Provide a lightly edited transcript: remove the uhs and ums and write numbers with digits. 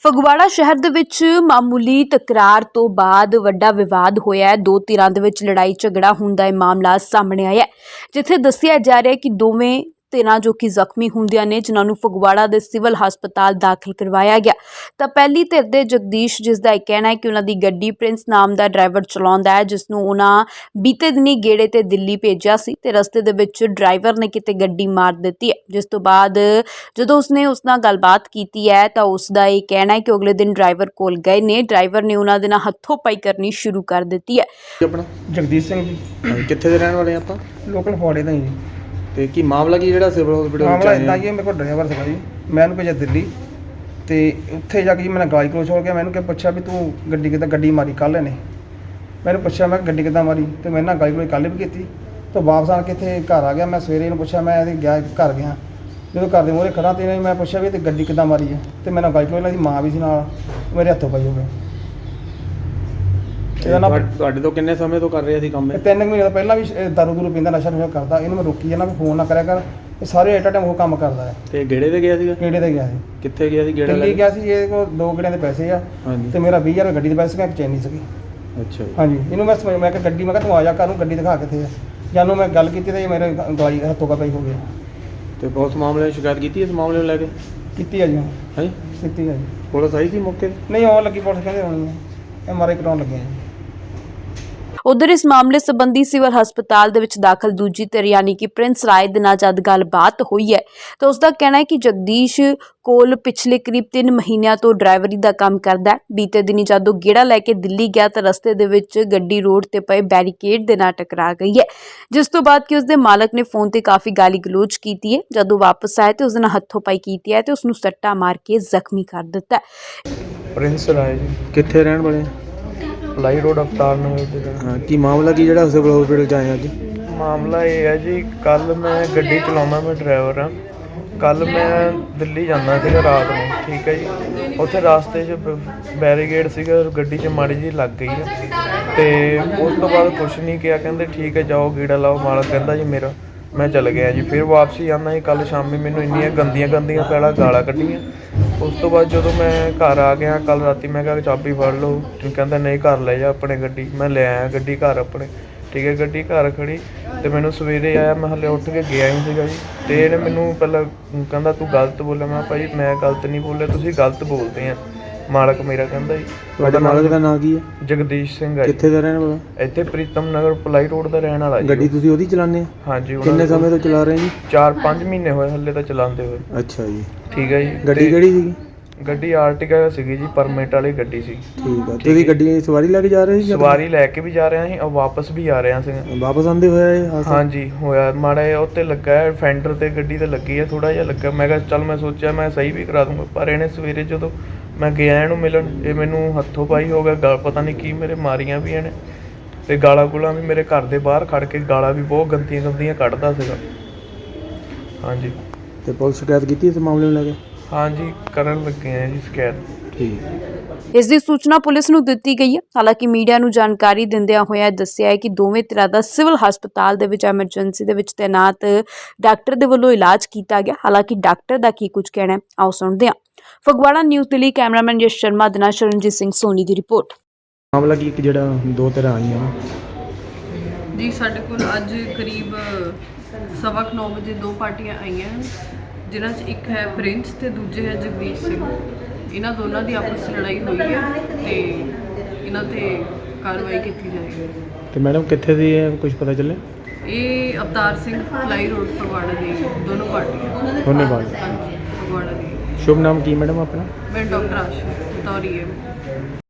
ਫਗਵਾੜਾ ਸ਼ਹਿਰ ਦੇ ਵਿੱਚ ਮਾਮੂਲੀ ਤਕਰਾਰ ਤੋਂ ਬਾਅਦ ਵੱਡਾ ਵਿਵਾਦ ਹੋਇਆ ਹੈ। ਦੋ ਧਿਰਾਂ ਦੇ ਵਿੱਚ ਲੜਾਈ ਝਗੜਾ ਹੋਣ ਦਾ ਇਹ ਮਾਮਲਾ ਸਾਹਮਣੇ ਆਇਆ ਹੈ, ਜਿੱਥੇ ਦੱਸਿਆ ਜਾ ਰਿਹਾ ਹੈ ਕਿ ਦੋਵੇਂ ਧਿਰਾਂ ਜੋ ਕਿ ਜ਼ਖਮੀ ਹੁੰਦੀਆਂ ਨੇ, ਜਿਨ੍ਹਾਂ ਨੂੰ ਫਗਵਾੜਾ ਦੇ ਸਿਵਲ ਹਸਪਤਾਲ ਦਾਖਲ ਕਰਵਾਇਆ ਗਿਆ। ਤਾਂ ਪਹਿਲੀ ਧਿਰ ਦੇ ਜਗਦੀਸ਼, ਜਿਸ ਦਾ ਇਹ ਕਹਿਣਾ ਹੈ ਕਿ ਉਹਨਾਂ ਦੀ ਗੱਡੀ ਪ੍ਰਿੰਸ ਨਾਮ ਦਾ ਡਰਾਈਵਰ ਚਲਾਉਂਦਾ ਹੈ, ਜਿਸ ਨੂੰ ਉਹਨਾਂ ਬੀਤੇ ਦਿਨੀ ਗੇੜੇ ਤੇ ਦਿੱਲੀ ਭੇਜਿਆ ਸੀ ਤੇ ਰਸਤੇ ਦੇ ਵਿੱਚ ਡਰਾਈਵਰ ਨੇ ਕਿਤੇ ਗੱਡੀ ਮਾਰ ਦਿੱਤੀ ਹੈ। ਜਿਸ ਤੋਂ ਬਾਅਦ ਜਦੋਂ ਉਸਨੇ ਉਸ ਨਾਲ ਗੱਲਬਾਤ ਕੀਤੀ ਹੈ ਤਾਂ ਉਸ ਦਾ ਇਹ ਕਹਿਣਾ ਹੈ ਕਿ ਅਗਲੇ ਦਿਨ ਡਰਾਈਵਰ ਕੋਲ ਗਏ ਨੇ, ਡਰਾਈਵਰ ਨੇ ਉਹਨਾਂ ਦੇ ਨਾਲ ਹੱਥੋਂ ਪਾਈ ਕਰਨੀ ਸ਼ੁਰੂ ਕਰ ਦਿੱਤੀ ਹੈ। ਆਪਣਾ ਜਗਦੀਸ਼ ਸਿੰਘ ਜੀ, ਕਿੱਥੇ ਦੇ ਰਹਿਣ ਵਾਲੇ ਆਪਾਂ ਲੋਕਲ ਫੋੜੇ ਦਾ ਹੀ ਜੀ। ਤੇ ਕੀ ਮਾਮਲਾ ਕੀ ਜਿਹੜਾ ਸਿਵਲ ਹਸਪੀਟਲ ਮਾਮਲਾ ਵਿੱਚ ਇਦਾਂ ਆਇਆ? ਜੀ, ਮੇਰੇ ਕੋਲ ਡਰਾਈਵਰ ਸੀਗਾ ਜੀ, ਮੈਂ ਉਹਨੂੰ ਭੇਜਿਆ ਦਿੱਲੀ ਤੇ ਉੱਥੇ ਜਾ ਕੇ ਜੀ ਮੈਂ ਗਾਲੀ ਕਲੋਜ਼ ਹੋ ਗਿਆ। ਮੈਨੂੰ ਕਿ ਪੁੱਛਿਆ ਵੀ ਤੂੰ ਗੱਡੀ ਕਿੱਦਾਂ ਗੱਡੀ ਮਾਰੀ ਕੱਲ੍ਹ ਨੇ। ਮੈਨੂੰ ਪੁੱਛਿਆ ਮੈਂ ਗੱਡੀ ਕਿੱਦਾਂ ਮਾਰੀ ਤੇ ਮੈਂ ਨਾਲ ਗਾਲੀ ਕਲੋਜ਼ ਕੱਲ੍ਹ ਵੀ ਕੀਤੀ। ਤਾਂ ਵਾਪਸ ਆ ਕੇ ਇੱਥੇ ਘਰ ਆ ਗਿਆ। ਮੈਂ ਸਵੇਰੇ ਇਹਨੂੰ ਪੁੱਛਿਆ, ਮੈਂ ਇਹਦੇ ਗਿਆ ਘਰ ਗਿਆ, ਜਦੋਂ ਘਰ ਦੇ ਮੂਹਰੇ ਖੜਾ ਤੇ ਇਹਨੇ ਮੈਂ ਪੁੱਛਿਆ ਵੀ ਤੇ ਗੱਡੀ ਕਿੱਦਾਂ ਮਾਰੀ ਹੈ ਤੇ ਮੈਂ ਨਾਲ ਗਾਲੀ ਕਲੋਜ਼, ਦੀ ਮਾਂ ਵੀ ਸੀ ਨਾਲ, ਮੇਰੇ ਹੱਥੋਂ ਪਈ ਹੋ ਗਿਆ। ਇਹਦਾ ਨਾ ਤੁਹਾਡੇ ਤੋਂ ਕਿੰਨੇ ਸਮੇਂ ਤੋਂ ਕਰ ਰਹੇ ਸੀ ਕੰਮ ਇਹ? 3 ਮਹੀਨੇ ਤੋਂ ਪਹਿਲਾਂ ਵੀ ਦਾਰੂ ਦੂਰੂ ਪੀਂਦਾ, ਨਸ਼ਾ ਨੁਸ਼ਾ ਕਰਦਾ। ਇਹਨੂੰ ਮੈਂ ਰੋਕੀ ਜਾਂਦਾ ਵੀ ਫੋਨ ਨਾ ਕਰਿਆ ਕਰ, ਇਹ ਸਾਰੇ ਐਟ ਟਾਈਮ ਉਹ ਕੰਮ ਕਰਦਾ ਹੈ। ਤੇ ਗੇੜੇ ਤੇ ਗਿਆ ਸੀਗਾ? ਕਿਹੜੇ ਤੇ ਗਿਆ ਸੀ? ਕਿੱਥੇ ਗਿਆ ਸੀ ਗੇੜਾ ਲੈ ਦਿੱਲੀ ਕੇ? ਗਿਆ ਸੀ। ਇਹਦੇ ਕੋਲ 2 ਗੇੜਿਆਂ ਦੇ ਪੈਸੇ ਆ ਹਾਂਜੀ। ਤੇ ਮੇਰਾ 20,000 ਗੱਡੀ ਦੇ ਪੈਸੇ ਮੈਂ ਚੈਨੀ ਸੀਗੀ। ਅੱਛਾ ਜੀ। ਹਾਂਜੀ, ਇਹਨੂੰ ਮੈਂ ਸਮਝ, ਮੈਂ ਕਿਹਾ ਗੱਡੀ, ਮੈਂ ਕਿਹਾ ਤੂੰ ਆ ਜਾ ਘਰ ਨੂੰ, ਗੱਡੀ ਦਿਖਾ ਕਿੱਥੇ ਆ। ਜਾਨੂੰ ਮੈਂ ਗੱਲ ਕੀਤੀ ਤੇ ਇਹ ਮੇਰੇ ਗਾਲੀ ਹੱਥੋਂ ਪਈ ਹੋ ਗਿਆ। ਤੇ ਪੁਲਿਸ ਮਾਮਲੇ ਦੀ ਸ਼ਿਕਾਇਤ ਕੀਤੀ ਇਸ ਮਾਮਲੇ ਨੂੰ ਲੈ ਕੇ? ਕੀਤੀ ਆ ਜੀ, ਹਾਂਜੀ। ਕੀਤੀ ਆ ਜੀ। ਪੁਲਿਸ ਆਈ ਸੀ ਮੌਕੇ ਤੇ? ਨਹੀਂ, ਆਉਣ ਲੱਗੀ ਪੁਲਿਸ, ਕਹਿੰਦੇ ਹੋਣੀ ਹੈ, MRI ਕਰਾਉਣ ਲੱਗੇ ਆ ਜੀ। ਉਧਰ ਇਸ ਮਾਮਲੇ ਸੰਬੰਧੀ ਸਿਵਲ ਹਸਪਤਾਲ ਦੇ ਵਿੱਚ ਦਾਖਲ ਦੂਜੀ ਧਿਰ ਯਾਨੀ ਕਿ ਪ੍ਰਿੰਸ ਰਾਏ ਦੇ ਨਾਲ ਜਦ ਗੱਲਬਾਤ ਹੋਈ ਹੈ ਤਾਂ ਉਸ ਦਾ ਕਹਿਣਾ ਹੈ ਕਿ ਜਗਦੀਸ਼ ਕੋਲ ਪਿਛਲੇ ਕਰੀਬ 3 ਮਹੀਨਿਆਂ ਤੋਂ ਡਰਾਈਵਰੀ ਦਾ ਕੰਮ ਕਰਦਾ ਹੈ। ਬੀਤੇ ਦਿਨੀ ਜਦੋਂ ਗੇੜਾ ਲੈ ਕੇ ਦਿੱਲੀ ਗਿਆ ਤਾਂ ਰਸਤੇ ਦੇ ਵਿੱਚ ਗੱਡੀ ਰੋਡ ਤੇ ਪਏ ਬੈਰੀਕੇਡ ਦੇ ਨਾਲ ਟਕਰਾ ਗਈ ਹੈ, ਜਿਸ ਤੋਂ ਬਾਅਦ ਕਿ ਉਸ ਦੇ ਮਾਲਕ ਨੇ ਫੋਨ ਤੇ ਕਾਫੀ ਗਾਲੀ ਗਲੋਚ ਕੀਤੀ ਹੈ। ਜਦੋਂ ਵਾਪਸ ਆਏ ਤੇ ਉਸ ਨਾਲ ਹੱਥੋਂ ਪਾਈ ਕੀਤੀ ਹੈ ਤੇ ਉਸ ਨੂੰ ਸੱਟਾ ਮਾਰ ਕੇ ਜ਼ਖਮੀ ਕਰ ਦਿੱਤਾ ਹੈ। ਪ੍ਰਿੰਸ ਰਾਏ ਜੀ, ਕਿੱਥੇ ਰਹਿਣ ਵਾਲੇ? ਲਾਈ ਰੋਡ ਅਵਤਾਰ ਨਗਰ ਦੇ ਨਾਲ। ਹਾਂ, ਕੀ ਮਾਮਲਾ ਕੀ ਜਿਹੜਾ ਸਿਵਲ ਹਸਪੀਟਲ ਚ ਆਏ ਅੱਜ? ਮਾਮਲਾ ਇਹ ਹੈ ਜੀ, ਕੱਲ ਮੈਂ ਗੱਡੀ ਚਲਾਉਂਦਾ, ਮੈਂ ਡਰਾਈਵਰ ਹਾਂ। ਕੱਲ ਮੈਂ ਦਿੱਲੀ ਜਾਂਦਾ ਸੀਗਾ ਰਾਤ ਨੂੰ, ਠੀਕ ਹੈ ਜੀ। ਉੱਥੇ ਰਾਸਤੇ 'ਚ ਬੈਰੀਕੇਡ ਸੀਗਾ, ਗੱਡੀ 'ਚ ਮਾੜੀ ਜਿਹੀ ਲੱਗ ਗਈ ਹੈ ਤੇ ਉਸ ਤੋਂ ਬਾਅਦ ਕੁਛ ਨਹੀਂ ਕਿਹਾ, ਕਹਿੰਦੇ ਠੀਕ ਹੈ ਜਾਓ ਗੇੜਾ ਲਾਓ। ਮਾਲਕ ਕਹਿੰਦਾ ਜੀ ਮੇਰਾ, ਮੈਂ ਚਲ ਗਿਆ ਜੀ। ਫਿਰ ਵਾਪਸੀ ਆਉਂਦਾ ਜੀ, ਕੱਲ੍ਹ ਸ਼ਾਮੀ ਮੈਨੂੰ ਇੰਨੀਆਂ ਗੰਦੀਆਂ ਪਹਿਲਾਂ ਗਾਲਾਂ ਕੱਢੀਆਂ। ਉਸ ਤੋਂ ਬਾਅਦ ਜਦੋਂ ਮੈਂ ਘਰ ਆ ਗਿਆ ਕੱਲ੍ਹ ਰਾਤੀ, ਮੈਂ ਕਿਹਾ ਚਾਬੀ ਫੜ ਲਓ, ਕਹਿੰਦਾ ਨਹੀਂ ਘਰ ਲੈ ਜਾ ਆਪਣੇ ਗੱਡੀ। ਮੈਂ ਲੈ ਆਇਆ ਗੱਡੀ ਘਰ ਆਪਣੇ, ਠੀਕ ਹੈ। ਗੱਡੀ ਘਰ ਖੜੀ ਤੇ ਮੈਨੂੰ ਸਵੇਰੇ ਆਇਆ, ਮੈਂ ਹਲੇ ਉੱਠ ਕੇ ਗਿਆ ਹੀ ਸੀਗਾ ਜੀ। ਤੇ ਇਹਨੇ ਮੈਨੂੰ ਪਹਿਲਾਂ ਕਹਿੰਦਾ ਤੂੰ ਗਲਤ ਬੋਲਿਆ। ਮੈਂ ਭਾਈ ਮੈਂ ਗਲਤ ਨਹੀਂ ਬੋਲਿਆ, ਤੁਸੀਂ ਗਲਤ ਬੋਲਦੇ ਆ। ਮਾਲਕ ਮੇਰਾ ਕਹਿੰਦਾ ਜੀ। ਤੁਹਾਡੇ ਮਾਲਕ ਦਾ ਨਾਂ ਕੀ ਹੈ? ਜਗਦੀਸ਼ ਸਿੰਘ ਹੈ। ਕਿੱਥੇ ਦਾ ਰਹਿਣ ਵਾਲਾ? ਇੱਥੇ ਪ੍ਰੀਤਮ ਨਗਰ ਪਲਾਈ ਰੋਡ ਦਾ ਰਹਿਣ ਵਾਲਾ ਜੀ। ਗੱਡੀ ਤੁਸੀਂ ਉਹਦੀ ਚਲਾਉਂਦੇ ਆ? ਹਾਂਜੀ। ਕਿੰਨੇ ਸਮੇਂ ਤੋਂ ਚਲਾ ਰਹੇ ਜੀ? 4-5 ਮਹੀਨੇ ਹੋਏ ਹਲੇ ਤਾਂ ਚਲਾਉਂਦੇ ਹੋਏ। ਅੱਛਾ ਜੀ। ਠੀਕ ਹੈ ਜੀ। ਗੱਡੀ ਕਿਹੜੀ ਸੀਗੀ? ਗੱਡੀ ਆਰਟਿਕਾ ਸੀਗੀ ਜੀ, ਪਰਮਿਟ ਵਾਲੀ ਗੱਡੀ ਸੀ। ਠੀਕ ਆ। ਤੁਸੀਂ ਗੱਡੀ ਦੀ ਸਵਾਰੀ ਲੈ ਕੇ ਜਾ ਰਹੇ ਸੀ? ਸਵਾਰੀ ਲੈ ਕੇ ਵੀ ਜਾ ਰਿਹਾ ਸੀ ਔਰ ਵਾਪਸ ਵੀ ਆ ਰਿਹਾ ਸੀ। ਵਾਪਸ ਆਉਂਦੇ ਹੋਇਆ ਇਹ ਹਾਦਸਾ? ਹਾਂਜੀ ਹੋਇਆ। ਮਾੜਾ ਜਿਹਾ ਉੱਤੇ ਲੱਗਾ ਹੈ, ਫੈਂਡਰ ਤੇ ਗੱਡੀ ਤੇ ਲੱਗੀ ਹੈ, ਥੋੜਾ ਜਿਹਾ ਲੱਗਾ। ਮੈਂ ਕਿਹਾ ਚੱਲ, ਮੈਂ ਸੋਚਿਆ ਮੈਂ ਸਹੀ ਵੀ ਕਰਾ ਦੂੰਗਾ, ਪਰ ਇਹਨੇ ਸਵੇਰੇ ਜਦੋਂ ਮੈਂ ਗਿਆ ਇਹਨੂੰ ਮਿਲਣ, ਇਹ ਮੈਨੂੰ ਹੱਥੋਂ ਪਾਈ ਹੋ ਗਿਆ। ਗਲ ਪਤਾ ਨਹੀਂ ਕੀ ਮੇਰੇ ਮਾਰੀਆਂ ਵੀ ਇਹਨੇ ਤੇ ਗਾਲਾਂ ਗੁਲਾਂ ਵੀ ਮੇਰੇ ਘਰ ਦੇ ਬਾਹਰ ਖੜ ਕੇ ਗਾਲਾਂ ਵੀ ਬਹੁਤ ਗੰਦੀਆਂ ਕੱਢਦਾ ਸੀਗਾ। ਹਾਂਜੀ। ਤੇ ਪੁਲਿਸ ਸ਼ਿਕਾਇਤ ਕੀਤੀ ਇਸ ਮਾਮਲੇ ਨੂੰ ਲੈ ਕੇ? ਹਾਂਜੀ, ਕਰਨ ਲੱਗੇ ਆ ਜੀ ਸ਼ਿਕਾਇਤ। ਠੀਕ। ਇਸ ਦੀ ਸੂਚਨਾ ਪੁਲਿਸ ਨੂੰ ਦਿੱਤੀ ਗਈ ਹੈ। ਹਾਲਾਂਕਿ ਮੀਡੀਆ ਨੂੰ ਜਾਣਕਾਰੀ ਦਿੰਦਿਆਂ ਹੋਇਆਂ ਦੱਸਿਆ ਹੈ ਕਿ ਦੋਵੇਂ ਧਿਰਾਂ ਦਾ ਸਿਵਲ ਹਸਪਤਾਲ ਦੇ ਵਿੱਚ ਐਮਰਜੈਂਸੀ ਦੇ ਵਿੱਚ ਤੈਨਾਤ ਡਾਕਟਰ ਦੇ ਵੱਲੋਂ ਇਲਾਜ ਕੀਤਾ ਗਿਆ। ਹਾਲਾਂਕਿ ਡਾਕਟਰ ਦਾ ਕੀ ਕੁਝ ਕਹਿਣਾ ਹੈ, ਆਓ ਸੁਣਦੇ ਹਾਂ। ਫਗਵਾੜਾ ਨਿਊਜ਼ ਦੇ ਲਈ ਕੈਮਰਾਮੈਨ ਯਸ਼ ਸ਼ਰਮਾ ਦੇ ਨਾਲ ਸ਼ਰਨਜੀਤ ਸਿੰਘ ਸੋਨੀ ਦੀ ਰਿਪੋਰਟ। ਮਾਮਲਾ ਕੀ ਜਿਹੜਾ ਦੋ ਧਿਰਾਂ ਆਈਆਂ ਜੀ, ਸਾਡੇ ਕੋਲ ਅੱਜ ਕਰੀਬ 9:15 ਵਜੇ 2 ਪਾਰਟੀਆਂ ਆਈਆਂ ਹਨ, ਜਿਨ੍ਹਾਂ 'ਚ ਇੱਕ ਹੈ ਪ੍ਰਿੰਸ ਤੇ ਦੂਜੇ ਹੈ ਜਗਦੀਸ਼ ਸਿੰਘ। ਇਹਨਾਂ ਦੋਨਾਂ ਦੀ ਆਪਸ 'ਚ ਲੜਾਈ ਹੋਈ ਹੈ ਤੇ ਇਹਨਾਂ ਤੇ ਕਾਰਵਾਈ ਕੀਤੀ ਜਾਏਗੀ। ਤੇ ਮੈਡਮ ਕਿੱਥੇ ਦੀ ਹੈ, ਕੁਝ ਪਤਾ ਚੱਲੇ? ਇਹ ਅਵਤਾਰ ਸਿੰਘ ਫਲਾਈ ਰੋਡ ਫਗਵਾੜਾ ਦੀ ਦੋਨੋਂ ਪਾਰਟੀਆਂ। ਧੰਨਵਾਦ। ਹਾਂਜੀ, ਫਗਵਾੜਾ ਦੀ। ਸ਼ੁਭ ਨਾਮ ਕੀ ਮੈਡਮ ਆਪਣਾ? ਮੈਂ ਡਾਕਟਰ ਆਸ਼ੂ ਤੌਰੀ ਹੈ।